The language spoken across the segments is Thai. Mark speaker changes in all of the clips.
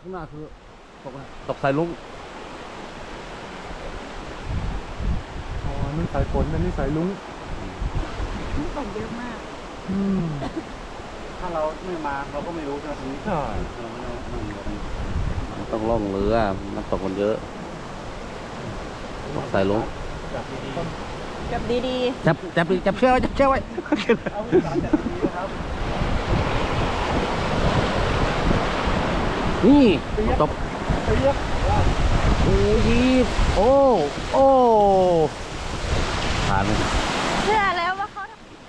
Speaker 1: ข้างหน้าคือตกอะไร
Speaker 2: ตกสายลุง
Speaker 3: อ๋อนั่นสายฝนอันนี้สายลุง
Speaker 4: มันตกเยอะมาก
Speaker 1: ถ้าเราไม่มาเราก็ไม่รู้นะตรงนี้
Speaker 3: ใช่
Speaker 1: เราไม่รู้มันอยู่
Speaker 2: มันต้องล่องเรือมันตกมันเยอะตกสายลุง
Speaker 4: จับดี
Speaker 2: จับเชือกไว้จับเชือกไว้
Speaker 1: เอาสารจัดดีนะครับ
Speaker 2: นี่ตก
Speaker 1: ไปเยอะ
Speaker 2: โอ้ยโอ้ผ่านเลย
Speaker 4: ๆเชื่อแล้วว่าเขา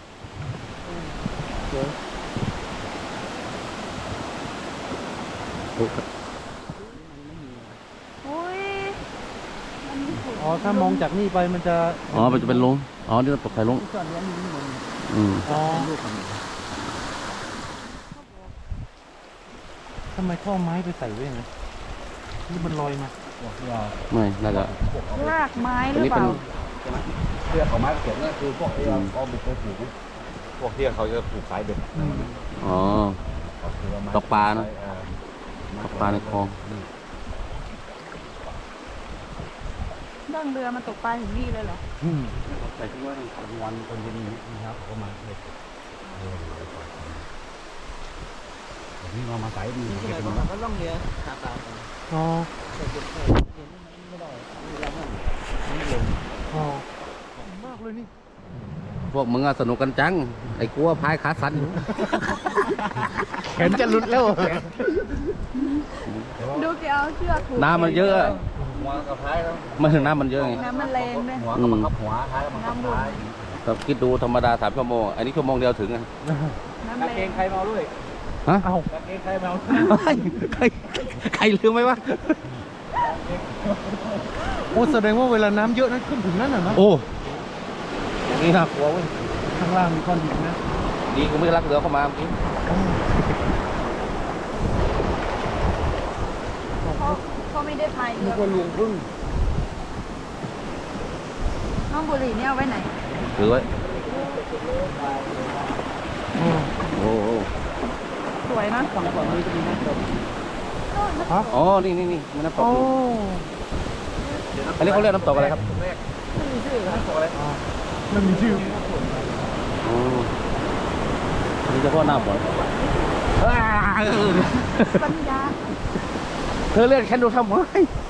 Speaker 4: อุ้ยมันมีฝุ่น
Speaker 3: อ๋อถ้ามองจากนี่ไปมันจะ
Speaker 2: อ๋อมันจะเป็นลุงอ๋อนี่ตกสายลุง
Speaker 1: ส่วนนี้มีมัน
Speaker 3: อ๋อ
Speaker 1: ลูกของ
Speaker 3: ทำไมท่อไม้ไปใส่ไว้ไงนี่มันลอยมา
Speaker 1: พวกที่เรา
Speaker 2: ไม่น่าจะ
Speaker 4: รากไม้ห
Speaker 2: อัน
Speaker 4: รือ
Speaker 2: นี้
Speaker 4: เป
Speaker 2: เป็น
Speaker 4: ล่า
Speaker 1: เสื้อของไม้เขียนนั่นคือพวกที่เราเอาบุกไปปลูกพวกที่เขาจะปลูกสายเบ็ด
Speaker 2: อ๋อ ตกปลานะ ตกปลาในคลอง
Speaker 4: นั่งเรือมาตกปลาถึงนี่เลยเหรอ
Speaker 1: ใส่ที่ว่าตอนวันคนที่นี่นะครับเขามาเลยนี่เรามาใส่ดีเก็บมา
Speaker 5: ก็ล่องเรือหาปลากัน
Speaker 3: อ๋อ
Speaker 5: แต่เก็บไข่เย็นไม่ได้เวลานั้น
Speaker 3: อ๋อมากเลยนี่
Speaker 2: พวกมึงอะสนุกกันจังไอ้กลัวพายขาสั่นอยู่
Speaker 3: แขนจะหลุดแล้ว
Speaker 4: ดูแกเอาเชือกผูก
Speaker 2: น้ำมันเยอะ
Speaker 1: หัวกับท้ายแล้ว
Speaker 2: ไม่ถึงน้ำมันเยอะไง
Speaker 4: น้ำมันแรงด้วย
Speaker 1: หัวก็บังคับหัวท้ายบังคับท้าย
Speaker 2: แต่คิดดูธรรมดา3 ชั่วโมงอันนี้ชั่วโมงเดียวถึงอะ
Speaker 4: น้ำ
Speaker 1: กาง
Speaker 4: แร
Speaker 1: เก
Speaker 4: ง
Speaker 1: งใครเมาด้วย
Speaker 2: ฮะ
Speaker 3: เอ้าก
Speaker 1: างเกงใครเมา
Speaker 2: ใครลืมไหมวะ
Speaker 3: โอ้แสดงว่าเวลาน้ำเยอะนั้นขึ้นถึงนั่นน่ะนะ
Speaker 2: โอ้นี่น่ากลัวเว้ย
Speaker 3: ข้างล่างมีก้อนหินนะ
Speaker 2: ดีกูไม่รักเรือเข้ามาเมื่อกี้
Speaker 4: เขาไม่ได้พายเรือ
Speaker 1: คนลวงพึ่ง
Speaker 4: น้องบุหรี่เนี่ยเอาไว้ไหน
Speaker 2: ถือไว้
Speaker 3: โอ้
Speaker 2: โอ้โห
Speaker 4: สวยนะ
Speaker 1: ฝั่งฝั่งนี้จะมีน้ำตก
Speaker 2: อ๋อนี่มันน้ำตก
Speaker 3: โอ้
Speaker 2: อยู่อันนี้เขาเรียกน้ำตกอะไรครับ
Speaker 1: แรกไม่มีชื่อน้ำตกอะไร
Speaker 3: มันมีชื่อ
Speaker 2: อ๋อนี่เฉพาะหน้าฝน
Speaker 4: ปัญญา
Speaker 2: เธอเรียกฉันดูทำไม